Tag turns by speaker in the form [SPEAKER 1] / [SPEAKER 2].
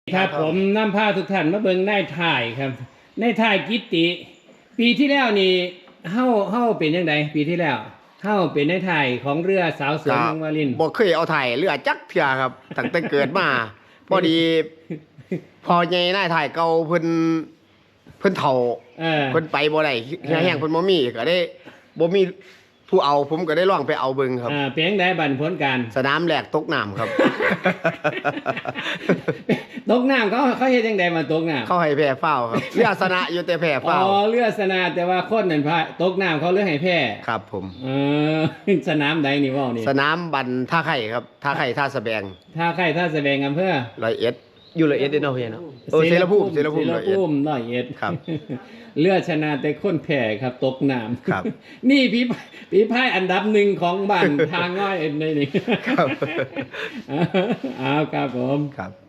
[SPEAKER 1] ครับผมนำพาทุกท่านมาเบิ่งนายถ่ายครับนายถ่ายกิตติปีที่แล้วนี่เฮาเป็นจังไดปีที่แล้วเฮาเป็นนายถ่ายของเรือสาวสวย
[SPEAKER 2] ก็
[SPEAKER 1] เมืองวาริน
[SPEAKER 2] บ่เคยเอาถ่ายเรือจักเทื่อครับตั้งแต่เกิดมาพอดีพอใหญ่นายถ่ายเก่าเพิ่นเฒ่า
[SPEAKER 1] เออ
[SPEAKER 2] เพิ่นไปบ่ได้เฮียแห้งเพิ่นบ่มีก็ได้บ่มีผู้เอาผมก็ได้ลองไปเอาเบิ่งครับ
[SPEAKER 1] เป็นจังไดบัดผลการ
[SPEAKER 2] สนามแรกตกน้ำครับ
[SPEAKER 1] ตกน้ำเขาเฮ็ดจังไดมาตกน้ำ
[SPEAKER 2] เขาให้แพ้ฟาวครับเรือชนะอยู่แต่แพ้
[SPEAKER 1] อ๋
[SPEAKER 2] ฟาว
[SPEAKER 1] อเรือสนาแต่ว่าคนนั่นพาตกน้ำเขาเรือให้แพ้
[SPEAKER 2] ครับผม
[SPEAKER 1] เออ สนามใดนี่เว้านี่
[SPEAKER 2] สนามบันท่าไข่ครับท่าไข่ท่าสะแบง
[SPEAKER 1] ท่าใครท่าแสดงอำเภอ
[SPEAKER 2] ร้อยเอ็ดอยู่ร้อยเอ็ดเด้อเนาะเฮียเนาะเสรภูมิร้อยเอ็ด
[SPEAKER 1] ร้อยเอ็ด
[SPEAKER 2] ครับ
[SPEAKER 1] เลือดชนะแต่คนแพ้ครับตกน้ำ
[SPEAKER 2] ครับ
[SPEAKER 1] นี่พี่พายอันดับหนึ่งของบ้าน ทางง่อยเอ็นนี่
[SPEAKER 2] ครับ
[SPEAKER 1] อ้าวครับผม
[SPEAKER 2] ครับ